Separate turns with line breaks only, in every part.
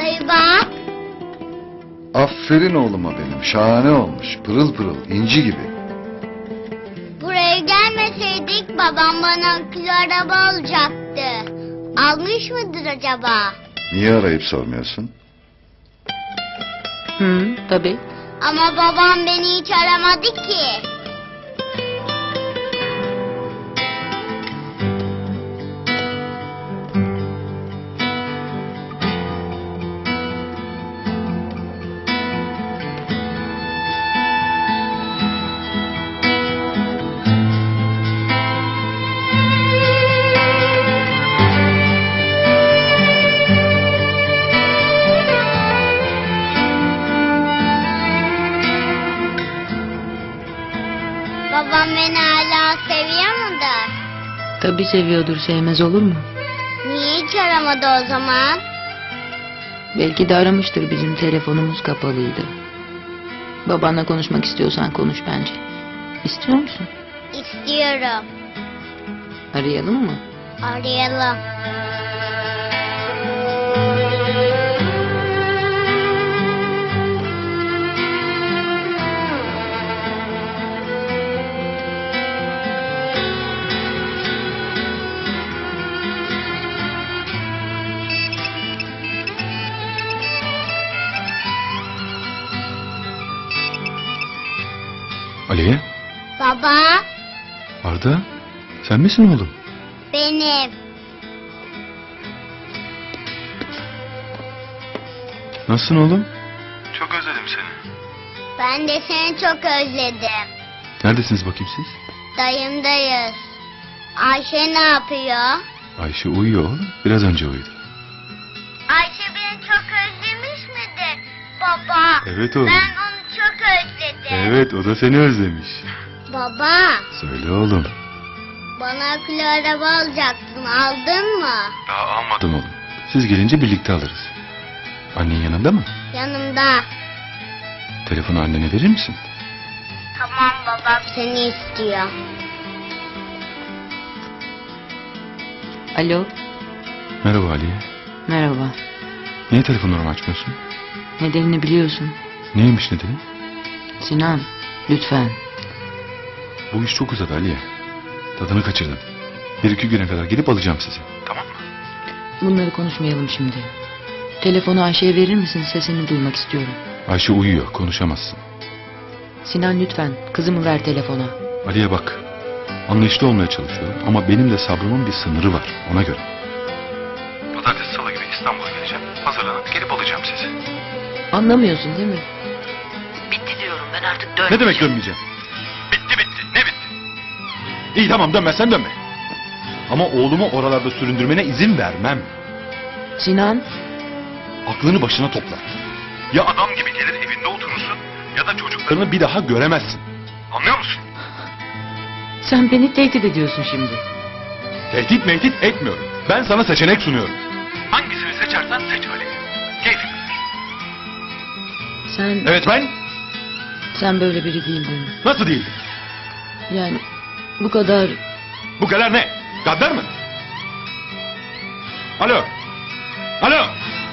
Dayı bak.
Aferin oğluma benim. Şahane olmuş. Pırıl pırıl. İnci gibi.
Buraya gelmeseydik babam bana akülü araba alacaktı. Almış mıdır acaba?
Niye arayıp sormuyorsun?
Tabii.
Ama babam beni hiç aramadı ki. Babam beni hala seviyor mudur?
Tabii seviyordur, sevmez olur mu?
Niye hiç aramadı o zaman?
Belki de aramıştır, bizim telefonumuz kapalıydı. Babanla konuşmak istiyorsan konuş bence. İstiyor musun?
İstiyorum.
Arayalım mı?
Arayalım.
Aliye,
Baba,
Arda, sen misin oğlum?
benim.
Nasılsın oğlum? Çok özledim seni.
Ben de seni çok özledim.
Neredesiniz bakayım siz?
Dayımdayız. Ayşe ne yapıyor?
Ayşe uyuyor oğlum. Biraz önce uyudu.
Ayşe beni çok özlemiş midir baba?
Evet oğlum.
Ben onu çok özledim.
Evet, o da seni özlemiş.
Baba,
Söyle oğlum.
bana akülü araba alacaktın. Aldın mı?
Daha almadım oğlum. Siz gelince birlikte alırız. Annen yanında mı?
Yanımda.
Telefonu annene verir misin?
Tamam, babam seni istiyor.
Alo,
Merhaba Aliye.
merhaba.
Niye telefonlarımı açmıyorsun?
Nedenini biliyorsun.
Neymiş nedeni?
Sinan, lütfen.
Bu iş çok uzadı Aliye. Tadını kaçırdın. Bir iki güne kadar gelip alacağım sizi. Tamam mı?
Bunları konuşmayalım şimdi. Telefonu Ayşe'ye verir misin? Sesini duymak istiyorum.
Ayşe uyuyor, konuşamazsın.
Sinan lütfen, kızımı ver telefona.
Aliye bak. Anlayışlı olmaya çalışıyorum ama benim de sabrımın bir sınırı var, ona göre. Pazartesi salı gibi İstanbul'a geleceğim. Hazırlanıp gelip alacağım sizi.
Anlamıyorsun değil mi? Bitti diyorum, ben artık
Ne
dönmeyeceğim.
demek dönmeyeceğim? Bitti bitti. Ne bitti? İyi tamam dönmezsen dönme. Ama oğlumu oralarda süründürmene izin vermem.
Sinan,
Aklını başına topla. Ya adam gibi gelir evinde oturursun ya da çocuklarını bir daha göremezsin. Anlıyor musun?
sen beni tehdit ediyorsun şimdi.
Tehdit mehdit etmiyorum. Ben sana seçenek sunuyorum. Hangisini seçersen seç Ali. Keyfin bilir.
Sen,
Evet ben
sen böyle biri değildin.
nasıl değildim?
Yani bu kadar...
Bu kadar ne? Gaddar mı? Alo. Alo.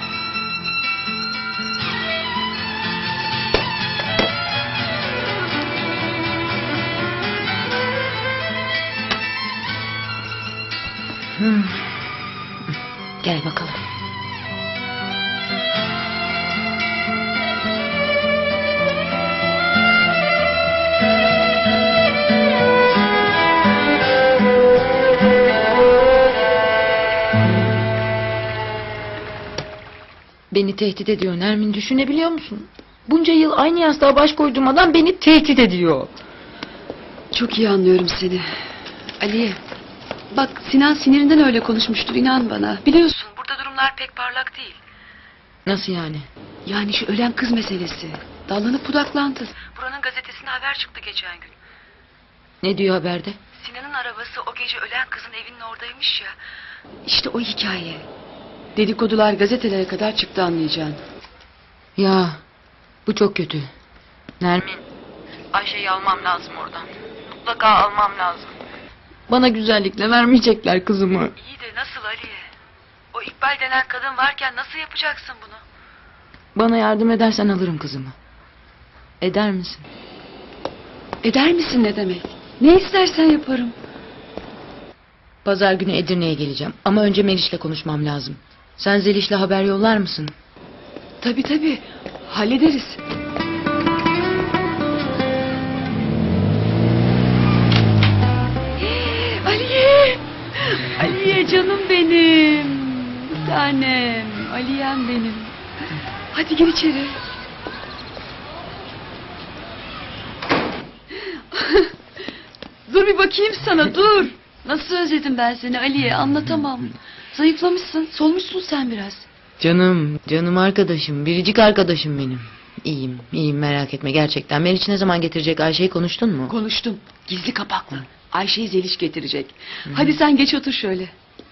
Gel bakalım. Beni tehdit ediyor Nermin, düşünebiliyor musun? Bunca yıl aynı yastığa baş koyduğum adam beni tehdit ediyor.
Çok iyi anlıyorum seni. Aliye, bak Sinan sinirinden öyle konuşmuştur, inan bana. Biliyorsun burada durumlar pek parlak değil.
Nasıl yani?
Yani şu ölen kız meselesi. Dallanıp budaklandı. Buranın gazetesine haber çıktı geçen gün.
Ne diyor haberde?
Sinan'ın arabası o gece ölen kızın evinin oradaymış ya. İşte o hikaye. Dedikodular gazetelere kadar çıktı, anlayacağın.
Ya bu çok kötü. Nermin, Ayşe'yi almam lazım oradan. Mutlaka almam lazım. Bana güzellikle vermeyecekler kızımı.
İyi de nasıl Aliye? O İkbal denen kadın varken nasıl yapacaksın bunu?
Bana yardım edersen alırım kızımı. Eder misin?
Eder misin ne demek? Ne istersen yaparım.
Pazar günü Edirne'ye geleceğim. Ama önce Meriç'le konuşmam lazım. Sen Zeliş'le haber yollar mısın?
Tabii hallederiz. Aliye! Aliye canım benim. Bir tanem. Aliyem benim. Hadi gir içeri. Dur bir bakayım sana dur. Nasıl özledim ben seni Aliye, anlatamam. Zayıflamışsın, solmuşsun sen biraz.
Canım arkadaşım, biricik arkadaşım benim. İyiyim merak etme gerçekten. Meriç ne zaman getirecek Ayşe'yi konuştun mu?
Konuştum, gizli kapaklı. Ayşe'yi Zeliş getirecek. Hadi sen geç otur şöyle.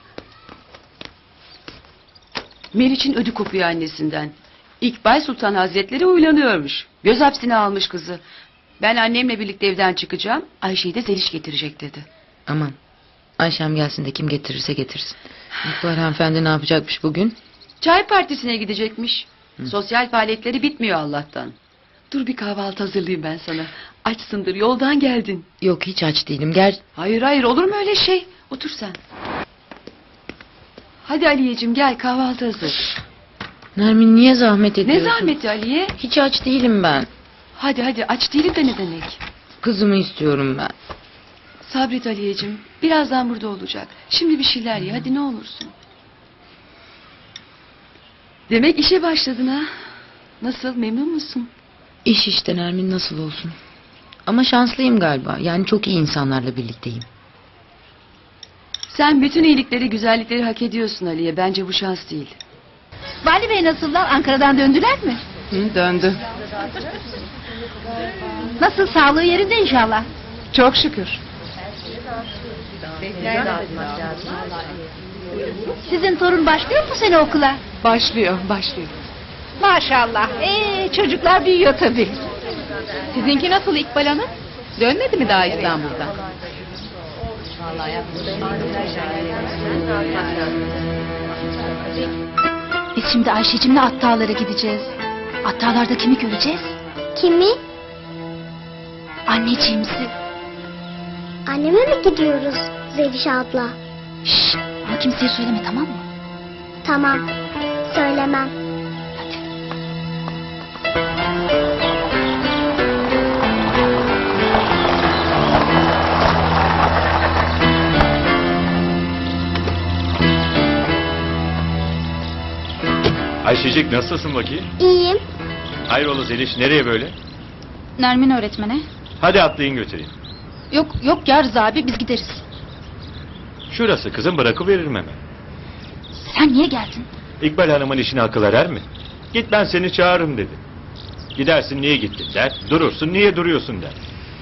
Meriç'in ödü kopuyor annesinden. İkbal Sultan Hazretleri uylanıyormuş. Göz hapsine almış kızı. Ben annemle birlikte evden çıkacağım. Ayşe'yi de Zeliş getirecek dedi.
Aman Ayşem gelsin de kim getirirse getirsin. İkbal hanımefendi ne yapacakmış bugün?
Çay partisine gidecekmiş. Sosyal faaliyetleri bitmiyor Allah'tan. Dur bir kahvaltı hazırlayayım ben sana. Açsındır, yoldan geldin.
Yok hiç aç değilim gel.
Hayır olur mu öyle şey? Otur sen. Hadi Aliyeciğim gel, kahvaltı hazır.
Nermin niye zahmet
Ne
ediyorsun?
zahmeti Aliye?
Hiç aç değilim ben.
Hadi aç değilim de ne demek?
Kızımı istiyorum ben.
Sabret Aliyeciğim. Birazdan burada olacak. Şimdi bir şeyler ye hadi ne olursun. Demek işe başladın ha? Nasıl, memnun musun?
İş işte Nermin nasıl olsun. Ama şanslıyım galiba. Yani çok iyi insanlarla birlikteyim.
Sen bütün iyilikleri, güzellikleri hak ediyorsun Aliye. Bence bu şans değil.
Vali Bey nasıllar? Ankara'dan döndüler mi?
Döndü.
Nasıl, sağlığı yerinde inşallah.
Çok şükür.
Sizin torun başlıyor mu sene okula?
Başlıyor.
Maşallah. Çocuklar büyüyor tabii.
Sizinki nasıl İkbal Hanım? Dönmedi mi daha İstanbul'dan?
Biz şimdi Ayşe'cimle Attağlar'a gideceğiz. Attağlar'da kimi göreceğiz? Kimi? Anneciğimizi.
Anneme mi gidiyoruz Zeliş abla?
Şşş, ama kimseye söyleme, tamam mı?
Tamam, söylemem.
Ayşecik nasılsın bakayım?
İyiyim.
Hayrola Zeliş nereye böyle?
Nermin öğretmene.
Hadi atlayın götüreyim.
Yok ya Rıza abi, biz gideriz.
Şurası kızım bırakıveririm hemen.
Sen niye geldin?
İkbal Hanım'ın işine akıl erer mi? Git ben seni çağırırım dedi. Gidersin niye gittin der. Durursun niye duruyorsun der.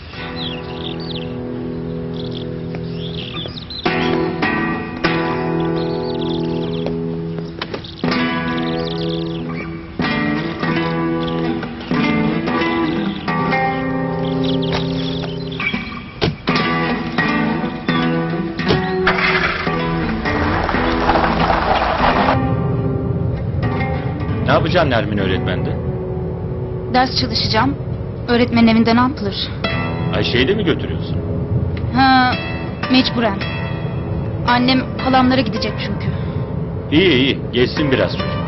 Ne yapacaksın Nermin öğretmende?
Ders çalışacağım. Öğretmenin evinde ne yapılır?
Ayşe'yi de mi götürüyorsun?
Ha, mecburen. Annem halamlara gidecek çünkü.
İyi geçsin biraz çocuk.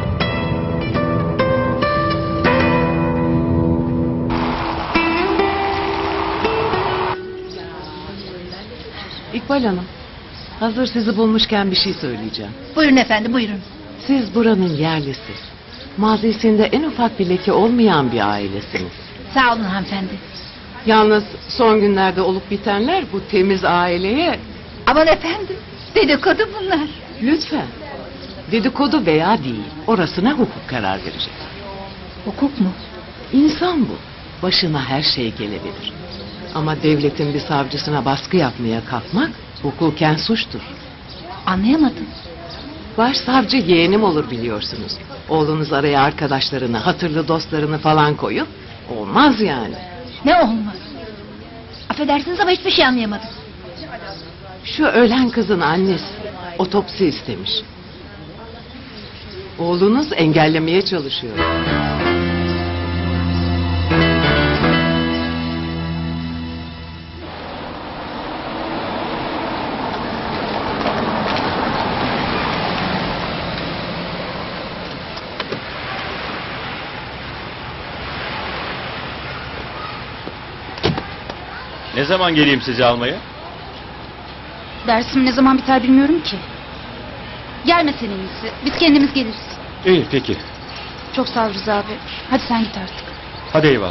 İkbal Hanım, hazır sizi bulmuşken bir şey söyleyeceğim.
Buyurun efendim, buyurun.
Siz buranın yerlisi. Mazisinde en ufak bir leke olmayan bir ailesiniz.
Sağ olun hanımefendi.
Yalnız son günlerde olup bitenler bu temiz aileye...
Aman efendim, dedikodu bunlar.
Lütfen. Dedikodu veya değil, orasına hukuk karar verecek.
Hukuk mu?
İnsan bu. Başına her şey gelebilir. Ama devletin bir savcısına baskı yapmaya kalkmak hukuken suçtur.
Anlayamadım.
Başsavcı yeğenim olur biliyorsunuz. Oğlunuz araya arkadaşlarını, hatırlı dostlarını falan koyup olmaz yani.
Ne olmaz? Affedersiniz ama hiçbir şey anlayamadım.
Şu ölen kızın annesi otopsi istemiş. Oğlunuz engellemeye çalışıyor.
Ne zaman geleyim sizi almaya?
Dersim ne zaman biter bilmiyorum ki. Gelme sen en iyisi. Biz kendimiz geliriz.
İyi peki.
Çok sağ ol Rıza abi. Hadi sen git artık.
Hadi eyvallah.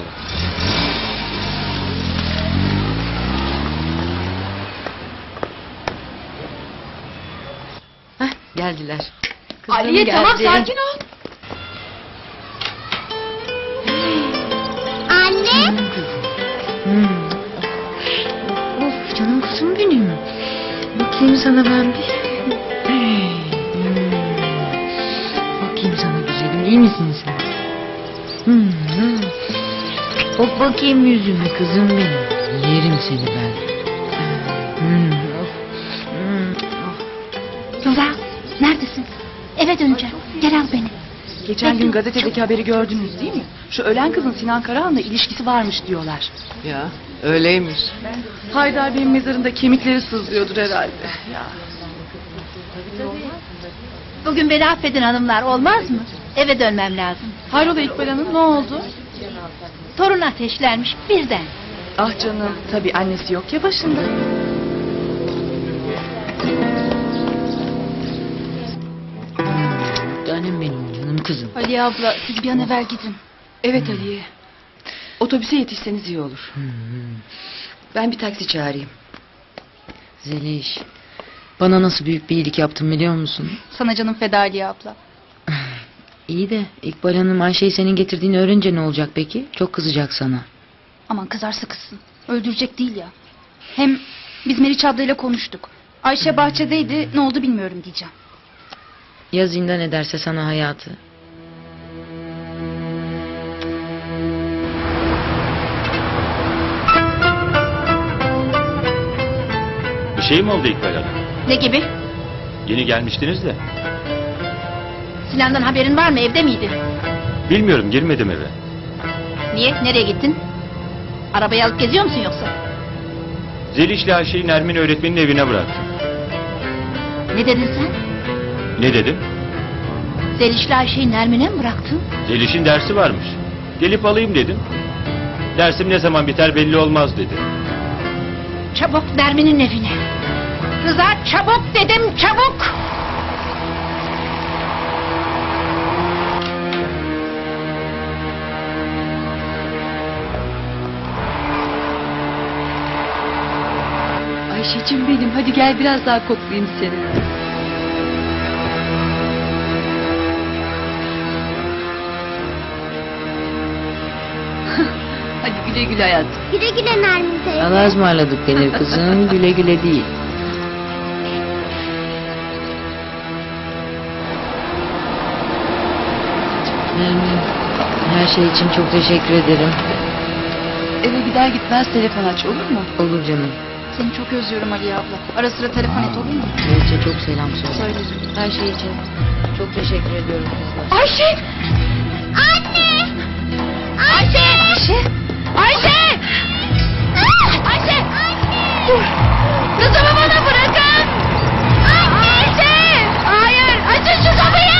Heh, geldiler. Kızım
Aliye
geldi.
tamam sakin ol.
Anne.
Hmm. Of canım kızım benim. Bakayım sana ben bir. Bakayım sana güzelim. İyi misin sen? Bak bakayım yüzüme kızım benim. Yerim seni ben. Of.
Rıza neredesin? Eve döneceğim. Gel al beni.
Geçen gün gazetedeki haberi gördünüz değil mi? Şu ölen kızın Sinan Karahan'la ilişkisi varmış diyorlar.
Ya öyleymiş.
Haydar Bey'in mezarında kemikleri sızlıyordur herhalde.
Bugün beni affedin hanımlar, olmaz mı? Eve dönmem lazım.
Hayrola İkbal Hanım ne oldu?
Torun ateşlenmiş birden.
Ah canım tabii annesi yok ya başında.
Canım benim canım kızım.
Ali abla siz bir an evvel gidin.
Evet Aliye. Otobüse yetişseniz iyi olur. Ben bir taksi çağırayım.
Zeliş. Bana nasıl büyük bir iyilik yaptın biliyor musun?
Sana canım feda Ali abla.
İyi de İkbal Hanım Ayşe'yi senin getirdiğini öğrenince ne olacak peki? Çok kızacak sana.
Aman kızarsa kızsın. Öldürecek değil ya. Hem biz Meriç ablayla konuştuk. Ayşe bahçedeydi, ne oldu bilmiyorum diyeceğim.
Ya zindan ederse sana hayatı?
Bir şey mi oldu İkbal Hanım?
Ne gibi?
Yeni gelmiştiniz de.
Sinan'dan haberin var mı, evde miydi?
Bilmiyorum, girmedim eve.
Niye, nereye gittin? Arabayı alıp geziyor musun yoksa?
Zeliş'le Ayşe'yi Nermin öğretmenin evine bıraktım.
Ne dedin sen?
Ne dedim?
Zeliş'le Ayşe'yi Nermin'e mi bıraktın?
Zeliş'in dersi varmış. Gelip alayım dedim. Dersim ne zaman biter belli olmaz dedi.
Çabuk Nermin'in evine. Rıza çabuk dedim, çabuk!
Ayşe'cim benim hadi gel biraz daha koklayayım seni. Hadi güle güle hayatım.
Güle güle Nermin teyze.
Allah'a ısmarladık denir kızım. Güle güle değil. Nermin, her şey için çok teşekkür ederim.
Eve gider gitmez telefon aç olur mu?
Olur canım.
Seni çok özlüyorum Ali abla. Ara sıra telefon et, olur mu?
Neyse çok selam söyle.
Söylerim.
Her şey için çok teşekkür ediyorum kızlar.
Ayşe!
Anne! Ayşe!
Ayşe! Ayşe! Ayşe! Dur! Kızımı bana bırakın! Ayşe! Hayır! Açın şu kapıyı!